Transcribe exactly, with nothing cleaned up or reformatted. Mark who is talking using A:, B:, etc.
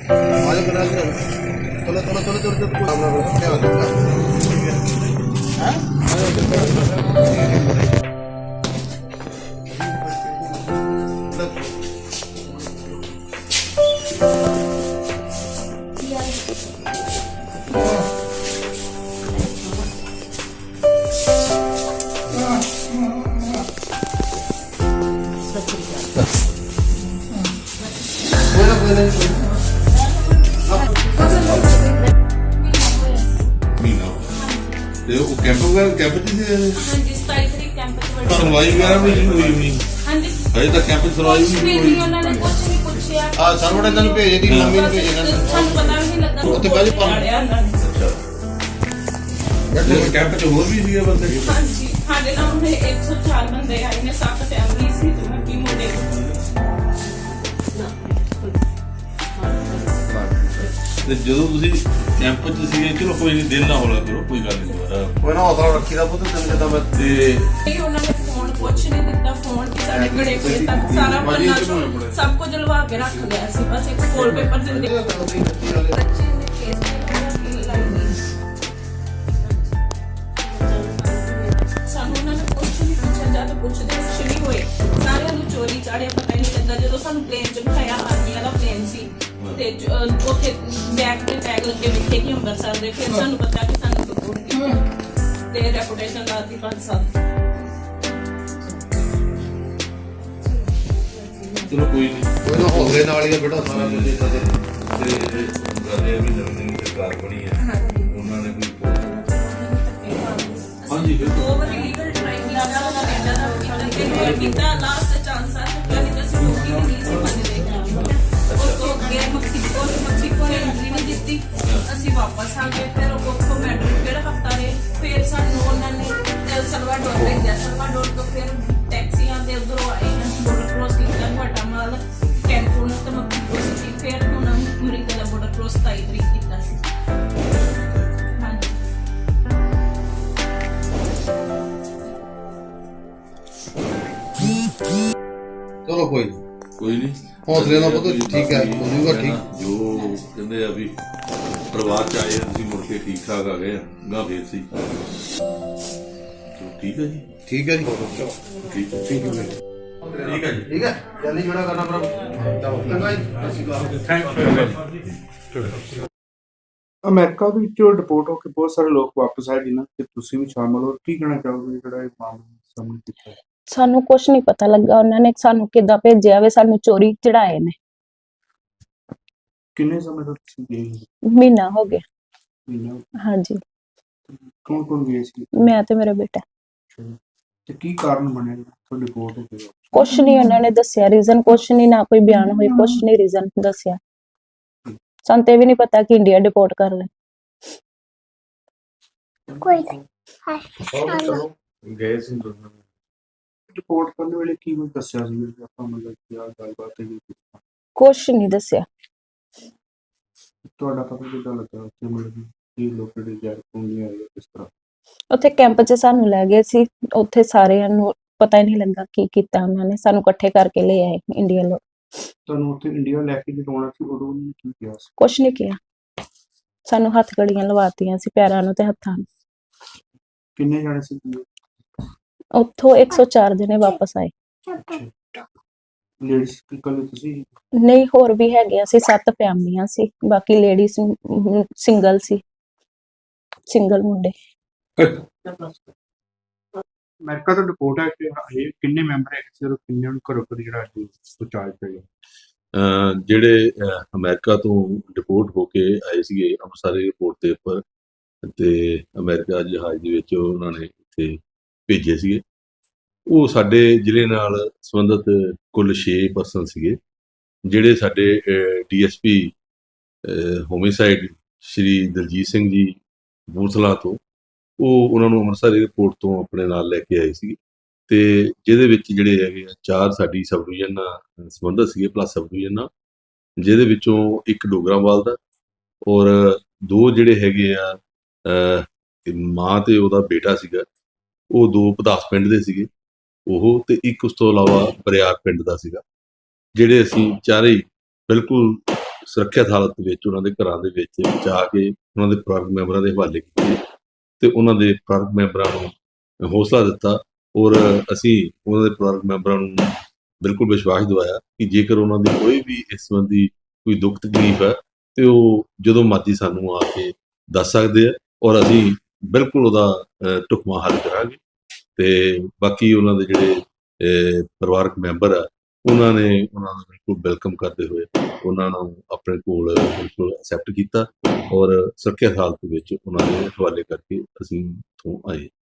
A: आज बना के चलो चलो चलो चलो चलो अपना क्या
B: ਤੇ ਉਹ ਕੈਂਪ ਵਗੈਰਾ ਕੈਂਪ ਚ ਸੀ
C: ਹਾਂਜੀ ਸਤਾਈ ਤਰੀਕ ਕੈਂਪ ਚ ਵੜੀ
B: ਸੁਣਵਾਈ ਵਗੈਰਾ ਵੀ ਨਹੀਂ ਹੋਈ ਹੋਣੀ
C: ਹਾਂਜੀ
B: ਹਜੇ ਤੱਕ ਕੈਂਪ ਚ ਸੁਣਵਾਈ
C: ਕੁਛ
B: ਵੀ
C: ਵੀ
B: ਨਹੀਂ
C: ਨਹੀਂ
B: ਹੋਈ
C: ਉਹਨਾਂ ਨੇ ਕੁਛ ਨਹੀਂ ਪੁੱਛਿਆ
A: ਆ ਸਰਵਣ ਇਹਨਾਂ ਨੂੰ ਭੇਜ ਦੀ ਮੰਮੀ ਨੂੰ ਭੇਜ ਇਹਨਾਂ ਨੂੰ
C: ਸਾਨੂੰ ਪਤਾ ਵੀ ਨਹੀਂ ਲੱਗਾ
A: ਉੱਥੇ ਬਾਅਦ ਚ ਪਾ-
C: ਪਾੜਿਆ ਉਹਨਾਂ ਨੇ
B: ਤੇ ਕੈਂਪ ਚ ਹੋਰ ਵੀ ਸੀਗੇ ਬੰਦੇ
C: ਹਾਂਜੀ ਸਾਡੇ ਨਾਲ ਉਹਨੇ ਇੱਕ ਸੌ ਚਾਰ ਬੰਦੇ ਆਏ ਨੇ ਸੱਤ ਫੈਮਿਲੀ ਸੀ ਤੇ ਬਾਕੀ ਮੁੰਡੇ
B: ਤੇ ਜਦੋਂ ਤੁਸੀਂ ਕੈਂਪ ਚ ਸੀਗੇ ਚਲੋ ਕੋਈ ਨਹੀਂ ਦਿਲ ਨਾ ਹੋਲਾ ਕਰੋ ਕੋਈ ਗੱਲ ਨਹੀਂ ਦੁਬਾਰਾ
A: ਕੋਈ ਨਾ ਹੌਸਲਾ ਰੱਖੀ ਦਾ ਪੁੱਤ ਤੈਨੂੰ ਜਦੋਂ ਮੈਂ
B: ਤੇ
C: ਇਹ ਉਹਨਾਂ ਨੇ ਫੋਨ ਕੁਛ ਨਹੀਂ ਦਿੱਤਾ ਫੋਨ ਕਿ ਸਾਡੇ ਘੜੇ ਕੋਲ ਤੱਕ ਸਾਰਾ ਪੰਨਾ ਚੋਂ ਸਭ ਕੁਝ ਲਵਾ ਕੇ ਰੱਖ ਲਿਆ ਸੀ ਬਸ ਇੱਕ ਫੋਲ ਪੇਪਰ ਦਿੰਦੇ ਬੱਚੇ ਨੇ ਕੇਸ ਸਾਨੂੰ ਉਹਨਾਂ ਨੇ ਕੁਛ ਨਹੀਂ ਪੁੱਛਿਆ ਜਦ ਪੁੱਛਦੇ ਸ਼ੁਰੂ ਹੋਏ ਸਾਰਿਆਂ ਨੂੰ ਚੋਰੀ ਚਾੜਿਆ ਪਤਾ ਹੀ ਨਹੀਂ ਲੱਗਾ ਜਦੋਂ ਸਾਨੂੰ ਪਲੇਨ ਚ ਬਿਠਾਇਆ ਆਰਮੀ ਵਾਲਾ ਪਲੇਨ ਸੀ ਤੇ ਅਹ, ਉੱਥੇ ਬੈਗ ਤੇ ਟੈਗ ਲੱਗੇ ਲਿਖੇ ਕਿ ਅੰਮ੍ਰਿਤਸਰ ਦੇ ਫਿਰ ਸਾਨੂੰ ਪਤਾ ਕਿ ਸਾਨੂੰ ਰਿਪੋਰਟ ਕੀਤੀ ਤੇ ਰੈਪੂਟੇਸ਼ਨ ਲਾਤੀ ਪੰਜ ਸਾਲ
B: ਚਲੋ ਕੋਈ ਨਹੀਂ
A: ਕੋਈ ਨਾ ਹੌਸਲੇ ਨਾਲ ਹੀ ਆ ਬੇਟਾ ਸਾਰਾ ਕੁਝ ਇਦਾਂ ਦੇ
B: ਤੇ ਗੱਲ ਇਹ ਵੀ ਨਵੀਂ ਸਰਕਾਰ ਬਣੀ ਹੈ ਉਹਨਾਂ ਨੇ ਕੋਈ ਹਾਂਜੀ ਬਿਲਕੁਲ
C: ਦੋ ਵਾਰੀ ਲੀਗਲ ਟਰਾਈ ਕੀਤਾ ਕੈਨੇਡਾ ਦਾ ਕੀਤਾ ਤੇ ਕੀਤਾ ਲਾਸਟ ਚਾਂਸ ਆ ਚੁੱਕਿਆ ਨਹੀਂ ਤਾਂ ਅਸੀਂ ਰੋਟੀ ਵੀ ਨਹੀਂ ਸੀ ਮੰਨਦੇ ਉਸ ਤੋਂ ਅੱਗੇ ਮੈਕਸੀਕੋ ਮੈਕਸੀਕੋ ਨੇ ਐਂਟਰੀ ਨਹੀਂ ਦਿੱਤੀ ਅਸੀਂ ਵਾਪਸ ਆ ਗਏ ਫਿਰ ਉੱਥੋਂ ਮੈਡਰਿਡ ਫਿਰ ਹਫਤਾ ਰਹੇ ਫਿਰ ਸਾਨੂੰ ਉਹਨਾਂ ਨੇ ਐਲ ਸਲਵਾਡੋਰ ਭੇਜਿਆ ਸਲਵਾਡੋਰ ਤੋਂ ਫਿਰ ਟੈਕਸੀਆਂ ਦੇ ਉਧਰੋਂ ਆਏ ਹਾਂ ਬੋਰਡਰ ਕ੍ਰੋਸ ਕੀਤਾ ਗੁਆਟਾਮਾਲਾ ਕੈਂਕੂਨ ਤੇ ਮੈਕਸੀਕੋ ਸਿਟੀ ਫਿਰ ਹੁਣ ਅਮਰੀਕਾ ਦਾ ਬੋਰਡਰ ਕ੍ਰੋਸ ਸਤਾਈ ਤਰੀਕ ਕੀਤਾ ਸੀ ਹਾਂਜੀ
A: ਚਲੋ ਕੋਈ ਨੀ।
B: ਕੋਈ ਨਹੀਂ
A: ਹੌਸਲੇ ਨਾਲ ਪੁੱਤ ਠੀਕ ਹੈ ਹੋ ਜਾਊਗਾ ਠੀਕ
B: ਜੋ ਕਹਿੰਦੇ ਆ ਵੀ ਪਰਿਵਾਰ ਚ ਆਏ ਤੁਸੀਂ ਮੁੜ ਕੇ ਠੀਕ ਠਾਕ ਆ ਗਏ ਗਾ ਫੇਰ ਸੀ ਚਲੋ ਠੀਕ ਹੈ ਜੀ
A: ਠੀਕ ਹੈ ਜੀ
B: ਠੀਕ ਹੈ
A: ਠੀਕ ਹੈ ਬੇਟਾ।
B: ਠੀਕ ਹੈ ਜੀ
A: ਠੀਕ ਹੈ ਜਲਦੀ ਜਿਹੜਾ ਕਰਨਾ ਪਰ ਚੰਗਾ ਜੀ ਸਤਿ ਸ਼੍ਰੀ ਅਕਾਲ
D: ਅਮਰੀਕਾ ਦੇ ਵਿੱਚੋਂ ਡਿਪੋਰਟ ਹੋ ਕੇ ਬਹੁਤ ਸਾਰੇ ਲੋਕ ਵਾਪਸ ਆਏ ਜਿਨ੍ਹਾਂ ਤੇ ਤੁਸੀਂ ਵੀ ਸ਼ਾਮਲ ਹੋ ਕੀ ਕਹਿਣਾ ਚਾਹੋਗੇ ਜਿਹੜਾ ਇਹ ਮਾਮਲਾ ਸਾਹਮਣੇ ਕੀਤਾ ਹੈ?
E: ਸਾਨੂੰ ਕੁਝ ਨਹੀਂ ਪਤਾ ਲੱਗਾ ਉਹਨਾਂ ਨੇ ਸਾਨੂੰ ਕਿੱਦਾਂ ਭੇਜਿਆ ਵੇ ਸਾਨੂੰ ਚੋਰੀ ਚੜਾਏ ਨੇ
D: ਕਿੰਨੇ ਸਮੇਂ ਤੋਂ ਤੁਸੀਂ ਗਏ ਹੋ?
E: ਮਹੀਨਾ ਹੋ ਗਿਆ
D: ਮਹੀਨਾ
E: ਹਾਂਜੀ
D: ਕੌਣ ਕੌਣ ਗਏ ਸੀ
E: ਮੈਂ ਤੇ ਮੇਰਾ ਬੇਟਾ
D: ਤੇ ਕੀ ਕਾਰਨ ਬਣਿਆ ਜਿਹੜਾ ਤੁਹਾਡੇ ਡਿਪੋਰਟ ਹੋ ਗਏ
E: ਕੁਛ ਨਹੀਂ ਉਹਨਾਂ ਨੇ ਦੱਸਿਆ ਰੀਜ਼ਨ ਕੁਛ ਨਹੀਂ ਨਾ ਕੋਈ ਬਿਆਨ ਹੋਈ ਕੁਛ ਨਹੀਂ ਰੀਜ਼ਨ ਦੱਸਿਆ ਸਾਨੂੰ ਤੇ ਵੀ ਨਹੀਂ ਪਤਾ ਕਿ ਇੰਡੀਆ ਡਿਪੋਰਟ ਕਰ ਲੈ
F: ਕੋਈ
D: ਗਏ ਸੀ ਰਿਪੋਰਟ ਕਰਨ ਵੇਲੇ ਕੀ ਕੁਝ ਦੱਸਿਆ ਸੀ ਵੀ ਆਪਾਂ ਮਤਲਬ ਕੀ ਆ ਗੱਲਬਾਤ ਹੈ
E: ਕੁਛ ਨਹੀਂ ਦੱਸਿਆ
D: ਤੁਹਾਡਾ ਪਤਾ ਕਿੱਦਾਂ ਲੱਗਾ ਉੱਥੇ ਮਤਲਬ ਕੀ ਲੋਕਾਂ ਦੇ ਜਾਰ ਪੁੰਗੀਆਂ ਆਇਆ ਕਿਸ ਤਰ੍ਹਾਂ
E: ਉੱਥੇ ਕੈਂਪ 'ਚ ਸਾਨੂੰ ਲੈ ਗਏ ਸੀ ਉੱਥੇ ਸਾਰਿਆਂ ਨੂੰ ਪਤਾ ਹੀ ਨਹੀਂ ਲੱਗਾ ਕੀ ਕੀਤਾ ਉਹਨਾਂ ਨੇ ਸਾਨੂੰ ਇਕੱਠੇ ਕਰਕੇ ਲੈ ਆਏ ਇੰਡੀਆ ਲੋਕ
D: ਤੁਹਾਨੂੰ ਉੱਥੇ ਇੰਡੀਆ ਲੈ ਕੇ ਜਦੋਂ ਸੀ ਉਦੋਂ ਉਹਨੇ ਕੀ ਕਿਹਾ ਸੀ
E: ਕੁਛ ਨਹੀਂ ਕਿਹਾ ਸਾਨੂੰ ਹੱਥ ਗੜੀਆਂ ਲਵਾਤੀਆਂ ਸੀ ਪੈਰਾਂ ਨੂੰ ਤੇ ਹੱਥਾਂ ਨੂੰ
D: ਕਿੰਨੇ ਜਾਣੇ ਸੀ
E: ਉੱਥੋਂ ਇੱਕ ਸੌ ਚਾਰ ਜਣੇ ਵਾਪਸ ਆਏ
D: ਲੇਡੀਜ਼ ਕੱਲੇ ਤੁਸੀਂ
E: ਨਹੀਂ ਹੋਰ ਵੀ ਹੈਗੇ ਅਸੀਂ ਸੱਤ ਫੈਮਲੀਆਂ ਸੀ ਬਾਕੀ ਲੇਡੀਜ਼ ਸਿੰਗਲ ਸੀ ਸਿੰਗਲ ਮੁੰਡੇ
D: ਅਮਰੀਕਾ ਤੋਂ ਰਿਪੋਰਟ ਹੈ ਕਿ ਇਹ ਕਿੰਨੇ ਮੈਂਬਰ ਹੈ ਕਿਸੇ ਨੂੰ ਕਿੰਨੇ ਨੂੰ ਘਰੋਂ ਘਰ ਜਿਹੜਾ ਪਹੁੰਚਾਇਆ ਪਿਆ
B: ਅਹ ਜਿਹੜੇ ਅਹ ਅਮਰੀਕਾ ਤੋਂ ਡਿਪੋਰਟ ਹੋ ਕੇ ਆਏ ਸੀਗੇ ਅੰਮ੍ਰਿਤਸਰ ਏਅਰਪੋਰਟ ਦੇ ਉੱਪਰ ਤੇ ਅਮਰੀਕਾ ਜਹਾਜ਼ ਦੇ ਵਿੱਚ ਉਹਨਾਂ ਨੇ ਇੱਥੇ ਭੇਜੇ ਸੀਗੇ ਉਹ ਸਾਡੇ ਜ਼ਿਲ੍ਹੇ ਨਾਲ ਸੰਬੰਧਿਤ ਕੁੱਲ ਛੇ ਪਰਸਨ ਸੀਗੇ ਜਿਹੜੇ ਸਾਡੇ ਡੀਐਸਪੀ ਹੋਮਿਸਾਈਡ ਸ਼੍ਰੀ ਦਲਜੀਤ ਸਿੰਘ ਜੀ ਬੂਥਲਾ ਤੋਂ ਉਹ ਉਹਨਾਂ ਨੂੰ ਅੰਮ੍ਰਿਤਸਰ ਏਅਰਪੋਰਟ ਤੋਂ ਆਪਣੇ ਨਾਲ ਲੈ ਕੇ ਆਏ ਸੀ ਤੇ ਜਿਹਦੇ ਵਿੱਚ ਜਿਹੜੇ ਹੈਗੇ ਆ ਚਾਰ ਸਾਡੀ ਸਬ ਡਿਵੀਜ਼ਨ ਨਾਲ ਸੰਬੰਧਿਤ ਸੀਗੇ ਪਲੱਸ ਸਬ ਡਿਵੀਜ਼ਨ ਨਾਲ ਜਿਹਦੇ ਵਿੱਚੋਂ ਇੱਕ ਡੋਗਰਾਵਾਲ ਦਾ ਔਰ ਦੋ ਜਿਹੜੇ ਹੈਗੇ ਆ ਮਾਂ ਤੇ ਉਹਦਾ ਬੇਟਾ ਸੀਗਾ ਉਹ ਦੋ ਪਧਾਸ ਪਿੰਡ ਦੇ ਸੀਗੇ ਉਹ ਤੇ ਇੱਕ ਉਸ ਤੋਂ ਇਲਾਵਾ ਬਰਿਆਰ ਪਿੰਡ ਦਾ ਸੀਗਾ ਜਿਹੜੇ ਅਸੀਂ ਚਾਰੇ ਬਿਲਕੁਲ ਸੁਰੱਖਿਅਤ ਹਾਲਤ ਵਿੱਚ ਉਹਨਾਂ ਦੇ ਘਰਾਂ ਦੇ ਵਿੱਚ ਜਾ ਕੇ ਉਹਨਾਂ ਦੇ ਪਰਿਵਾਰਕ ਮੈਂਬਰਾਂ ਦੇ ਹਵਾਲੇ ਕੀਤੇ ਤੇ ਉਹਨਾਂ ਦੇ ਪਰਿਵਾਰਕ ਮੈਂਬਰਾਂ ਨੂੰ ਹੌਸਲਾ ਦਿੱਤਾ ਔਰ ਅਸੀਂ ਉਹਨਾਂ ਦੇ ਪਰਿਵਾਰਕ ਮੈਂਬਰਾਂ ਨੂੰ ਬਿਲਕੁਲ ਵਿਸ਼ਵਾਸ ਦਿਵਾਇਆ ਕਿ ਜੇਕਰ ਉਹਨਾਂ ਦੀ ਕੋਈ ਵੀ ਇਸ ਸੰਬੰਧੀ ਕੋਈ ਦੁੱਖ ਤਕਲੀਫ ਹੈ ਤੇ ਉਹ ਜਦੋਂ ਮਰਜ਼ੀ ਸਾਨੂੰ ਆ ਕੇ ਦੱਸ ਸਕਦੇ ਆ ਔਰ ਅਸੀਂ ਬਿਲਕੁਲ ਉਹਦਾ ਅਹ, ਢੁਕਵਾਂ ਹੱਲ ਕਰਾਂਗੇ। ਤੇ ਬਾਕੀ ਉਹਨਾਂ ਦੇ ਜਿਹੜੇ ਅਹ, ਪਰਿਵਾਰਕ ਮੈਂਬਰ ਆ ਉਹਨਾਂ ਨੇ ਉਹਨਾਂ ਨੂੰ ਬਿਲਕੁਲ ਵੈਲਕਮ ਕਰਦੇ ਹੋਏ ਉਹਨਾਂ ਨੂੰ ਆਪਣੇ ਕੋਲ ਬਿਲਕੁਲ ਐਕਸੈਪਟ ਕੀਤਾ ਔਰ ਸੁਰੱਖਿਅਤ ਹਾਲਤ ਵਿੱਚ ਉਹਨਾਂ ਦੇ ਹਵਾਲੇ ਕਰਕੇ ਅਸੀਂ ਇੱਥੋਂ ਆਏ।